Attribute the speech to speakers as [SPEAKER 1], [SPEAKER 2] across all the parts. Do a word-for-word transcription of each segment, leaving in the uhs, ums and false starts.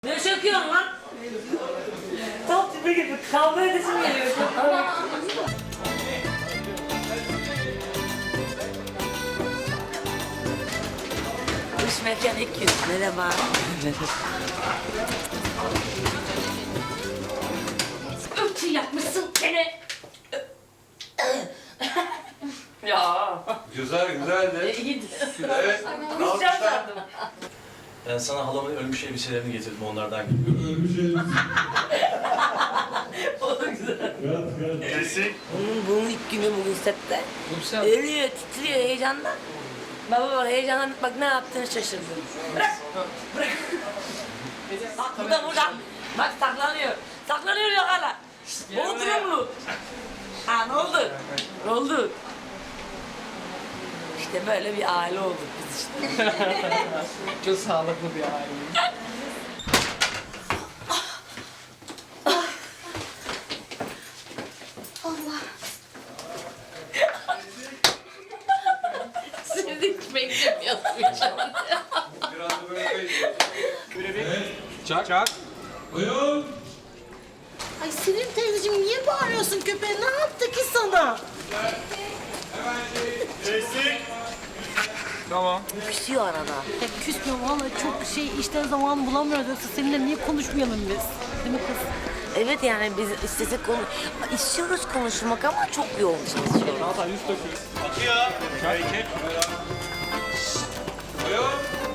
[SPEAKER 1] Ne çekiyorsun lan? Tam tipi gibi kavga edesim geliyor. Dış mekan iki yüz. Merhaba. Öpçü yapmışsın gene. Ya.
[SPEAKER 2] Güzel güzeldi.
[SPEAKER 1] İyiydi.
[SPEAKER 2] Evet.
[SPEAKER 1] Kusacağım sandım.
[SPEAKER 3] Ben sana halamın ölmüş elbiselerini getirdim onlardan gibi.
[SPEAKER 2] Ölmüş elbise.
[SPEAKER 1] O da güzel.
[SPEAKER 3] Kesik.
[SPEAKER 1] Onun bunun ilk günü bugün sette. Ölüyor, titriyor heyecandan. Baba bak heyecandan bak ne yaptığını şaşırdı. Bırak, bırak. Bak burada burada. Bak saklanıyor. Saklanıyor yok hala. Bodrumlu. Ha ne oldu? Ne oldu? İşte böyle bir aile olduk biz işte.
[SPEAKER 4] Çok sağlıklı bir aile.
[SPEAKER 1] Sizi hiç beklemiyordum hiç.
[SPEAKER 2] Biraz da böyle kayıt.
[SPEAKER 4] Çak. Çak.
[SPEAKER 2] Buyurun.
[SPEAKER 5] Ay Sevim teyzeciğim niye bağırıyorsun köpeğe? Ne yaptı ki sana?
[SPEAKER 4] Tamam.
[SPEAKER 1] Küsüyor arada.
[SPEAKER 5] Ya küsmüyorum valla çok şey işten zaman bulamıyoruz. Yoksa seninle niye konuşmayalım biz? Değil mi kız?
[SPEAKER 1] Evet yani biz istesek konu... istiyoruz konuşmak ama çok yoğun çalışıyoruz.
[SPEAKER 4] Hatta yüz döküyoruz.
[SPEAKER 2] Buyurun.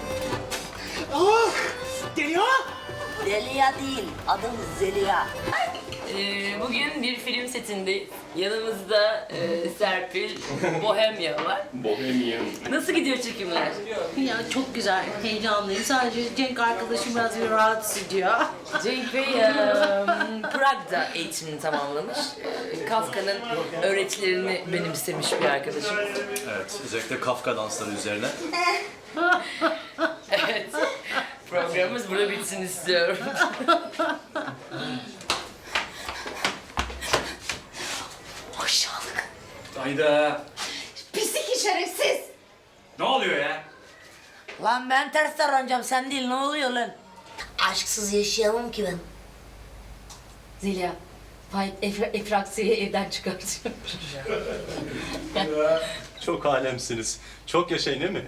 [SPEAKER 1] Zeliha değil, adım Zeliha. Ee, bugün bir film setindeyiz. Yanımızda e, Serpil, Bohemya var.
[SPEAKER 3] Bohemian.
[SPEAKER 1] Nasıl gidiyor çekimler?
[SPEAKER 5] Ya çok güzel, heyecanlıyım. Sadece Cenk arkadaşım biraz bir rahatsız ediyor.
[SPEAKER 1] Cenk Bey e, Prag'da eğitimini tamamlamış. E, Kafka'nın öğretilerini benimsemiş bir arkadaşım.
[SPEAKER 3] Evet, özellikle Kafka dansları üzerine.
[SPEAKER 1] Evet, programımız burada bitsin istiyorum. Aşağılık.
[SPEAKER 3] Hayda.
[SPEAKER 5] Pislik şerefsiz.
[SPEAKER 3] Ne oluyor ya?
[SPEAKER 1] Lan ben ters davranacağım, sen değil, ne oluyor lan? Aşksız yaşayamam ki ben.
[SPEAKER 6] Zeliha, Faik Efra Efraksiye'yi evden çıkartıyor.
[SPEAKER 3] Çok alemsiniz. Çok yaşayın değil mi?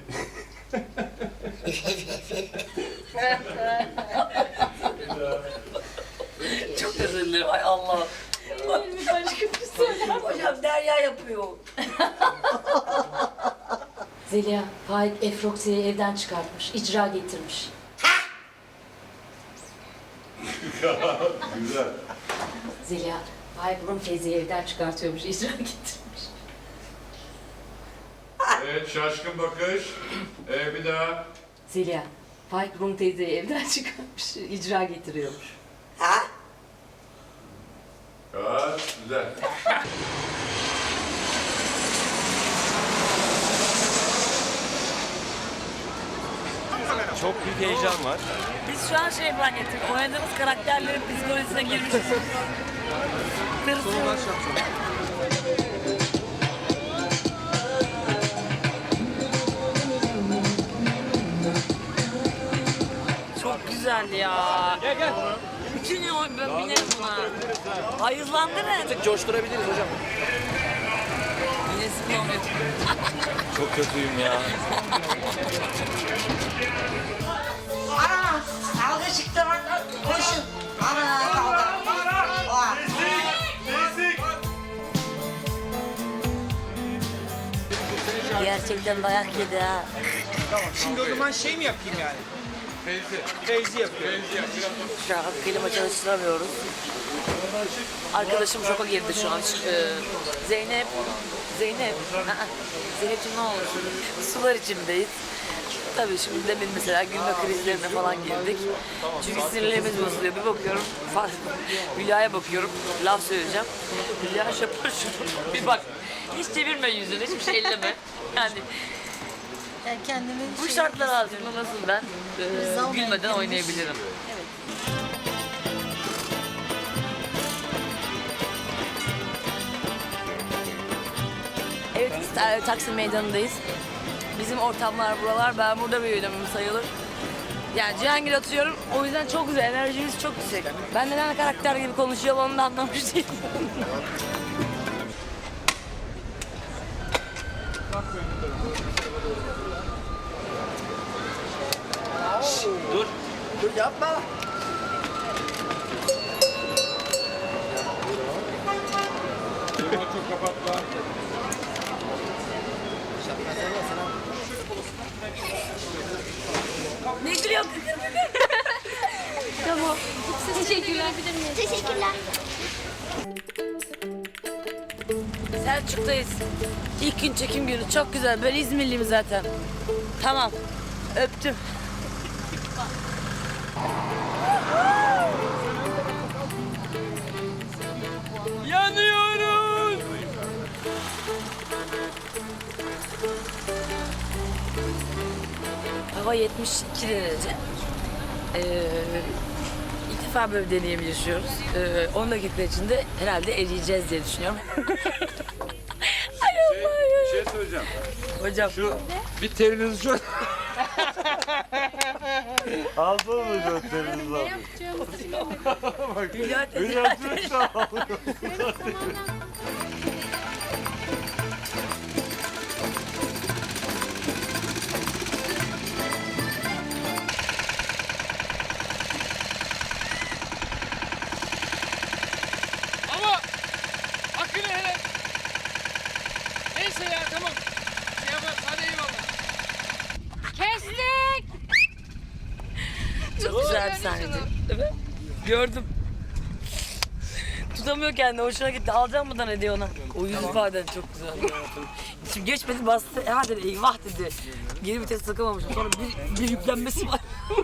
[SPEAKER 1] Çok özür dilerim, ay Allah.
[SPEAKER 6] Başka bir söyle.
[SPEAKER 1] Hocam Derya yapıyor.
[SPEAKER 6] Zeliha, Faik Efraksiye'yi evden çıkartmış, icra getirmiş.
[SPEAKER 2] Güzel.
[SPEAKER 6] Zeliha, Faik Rum teyzeyi evden çıkartıyormuş, icra getirmiş.
[SPEAKER 2] Evet şaşkın bakış. Ee, bir daha.
[SPEAKER 6] Zeliha, Faik Rum teyzeyi evden çıkartmış, icra getiriyormuş.
[SPEAKER 1] Ha?
[SPEAKER 2] Evet güzel.
[SPEAKER 3] Çok büyük heyecan var.
[SPEAKER 1] Biz şu an şey zannettik, oynadığımız karakterlerin psikolojisine girmişiz. Tırsıyoruz. Çok güzel ya.
[SPEAKER 4] Gel gel.
[SPEAKER 1] Bütün yıl ben binerim buna. Hayızlandırın.
[SPEAKER 4] Coşturabiliriz hocam.
[SPEAKER 1] Yine sıkı olmuyor.
[SPEAKER 3] Çok kötüyüm ya.
[SPEAKER 5] Ana! Kavga çıktı lan. Koşun. Ana kavga. Oha.
[SPEAKER 1] Gerçekten dayak yedi ha.
[SPEAKER 4] Şimdi o zaman şey mi yapayım yani?
[SPEAKER 2] Feyzi.
[SPEAKER 4] Feyzi yapıyorum.
[SPEAKER 2] Feyzi yap biraz.
[SPEAKER 1] Şu an klima çalıştıramıyoruz. Arkadaşım şoka girdi şu an. Ee, Zeynep, Zeynep, Aa, Zeynep'ciğim ne olmuş? Sular içindeyiz. Tabii şimdi demin mesela gülme krizlerine falan girdik. Çünkü sinirlerimiz bozuluyor. Bir bakıyorum, Hülya'ya bakıyorum, laf söyleyeceğim. Hülya şapır şunu, bir bak. Hiç çevirme yüzünü, hiçbir şey elleme. Yani
[SPEAKER 5] Ya kendimi
[SPEAKER 1] bu
[SPEAKER 5] şey-
[SPEAKER 1] şartlar altında nasıl ben e, gülmeden oynayabilirim? Evet, evet Taksim Meydanı'ndayız. Bizim ortamlar buralar. Ben burada büyüdüm sayılır. Yani Cihangir atıyorum. O yüzden çok güzel. Enerjimiz çok yüksek. Ben neden karakter gibi konuşuyorum onu da anlamış değilim.
[SPEAKER 3] Dur.
[SPEAKER 7] Dur yapma.
[SPEAKER 2] Çok kapatma.
[SPEAKER 1] Ne gülüyorsun?
[SPEAKER 5] Tamam.
[SPEAKER 8] Teşekkürler. Teşekkürler.
[SPEAKER 1] Selçuk'tayız. İlk gün çekim günü. Çok güzel. Ben İzmirliyim zaten. Tamam. Öptüm. Yanıyoruz. Hava yetmiş iki derece. Ee, ilk defa böyle bir deneyim yaşıyoruz. Ee, on dakika içinde herhalde eriyeceğiz diye düşünüyorum. Ay Allah ya.
[SPEAKER 2] Bir şey söyleyeceğim.
[SPEAKER 1] Hocam.
[SPEAKER 2] Şu bir terinizi şu
[SPEAKER 7] Aldın mı gösterinizi abi?
[SPEAKER 1] Hülya teyze.
[SPEAKER 7] Hülya teyze.
[SPEAKER 4] Ama hakkını hele. Neyse ya tamam. Şey yapar hadi eyvallah.
[SPEAKER 8] Kestik.
[SPEAKER 1] Çok güzel bir sahneydi. Değil mi? Gördüm. Tutamıyor kendini. Hoşuna gitti. Alacağım mı da ne diyor ona? O yüz ifaden çok güzel. Şimdi geçmedi bastı. E hadi dedi, eyvah dedi. Geri vites takamamışım. Sonra bir, bir yüklenmesi var.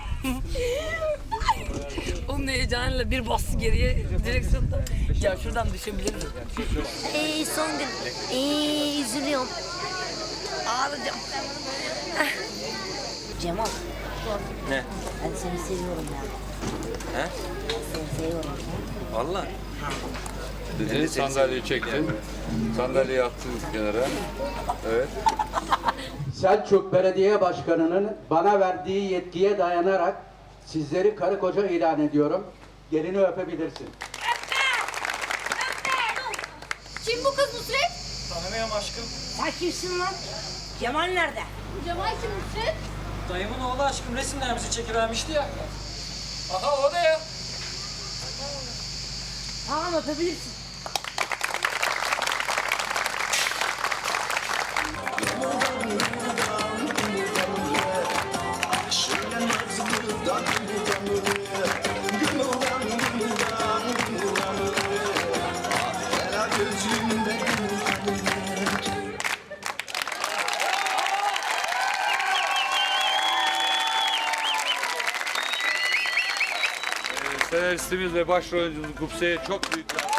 [SPEAKER 1] Onun heyecanıyla bir bastı geriye direksiyonda. Ya şuradan düşebilirdim.
[SPEAKER 8] Ee, son gün. Ee, üzülüyorum.
[SPEAKER 1] Ağlayacağım.
[SPEAKER 8] Cemal.
[SPEAKER 3] Ne?
[SPEAKER 8] Ben seni seviyorum ya.
[SPEAKER 3] He?
[SPEAKER 8] Seni seviyorum.
[SPEAKER 3] Vallahi.
[SPEAKER 2] dedi. Sandalyeyi çektin. Sandalyeyi attın kenara. Evet.
[SPEAKER 9] Selçuk Belediye Başkanı'nın bana verdiği yetkiye dayanarak sizleri karı koca ilan ediyorum. Gelini öpebilirsin.
[SPEAKER 8] Kim bu kız Nusret?
[SPEAKER 4] Tanımıyorum aşkım.
[SPEAKER 8] Sen kimsin lan? Cemal nerede? Cemal kim Nusret?
[SPEAKER 4] Dayımın oğlu aşkım resimlerimizi çekivermişti ya. Aha o da ya.
[SPEAKER 8] Tamam öpebilirsin.
[SPEAKER 2] Senaristimiz ve başrol oyuncumuz Gupse'ye çok büyük bir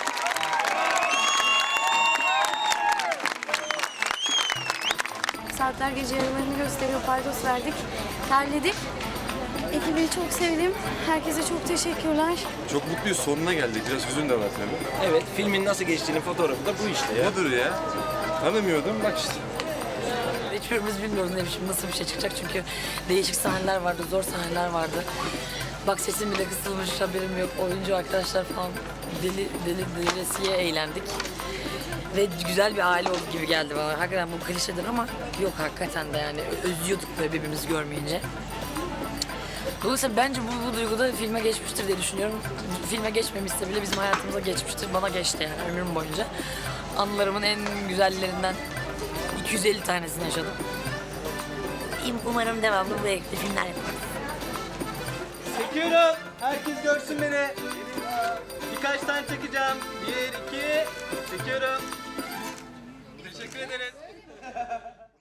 [SPEAKER 10] Saatler gece yarılarını gösteriyor. Paydos verdik. Terledik. Ekibi çok sevdim. Herkese çok teşekkürler.
[SPEAKER 11] Çok mutluyuz. Sonuna geldik. Biraz hüzün de var tabii.
[SPEAKER 3] Evet, filmin nasıl geçtiğinin fotoğrafı da bu işte ya.
[SPEAKER 11] Budur ya. Tanımıyordum. Bak işte.
[SPEAKER 1] Hiçbirimiz bilmiyoruz ne biçim nasıl bir şey çıkacak çünkü değişik sahneler vardı, zor sahneler vardı. Bak sesim bile kısılmış, haberim yok. Oyuncu arkadaşlar falan deli deli delisiye eğlendik. Ve güzel bir aile olduk gibi geldi bana. Hakikaten bu klişedir ama yok hakikaten de yani özlüyorduk böyle birbirimizi görmeyince. Dolayısıyla bence bu, bu duygu da filme geçmiştir diye düşünüyorum. Filme geçmemişse bile bizim hayatımıza geçmiştir. Bana geçti yani ömrüm boyunca. Anılarımın en güzellerinden iki yüz elli tanesini yaşadım. Umarım devamlı bu renkli filmler yaparız.
[SPEAKER 7] Çekiyorum. Herkes görsün beni. Birkaç tane çekeceğim. Bir, iki. Çekiyorum. Teşekkür ederiz.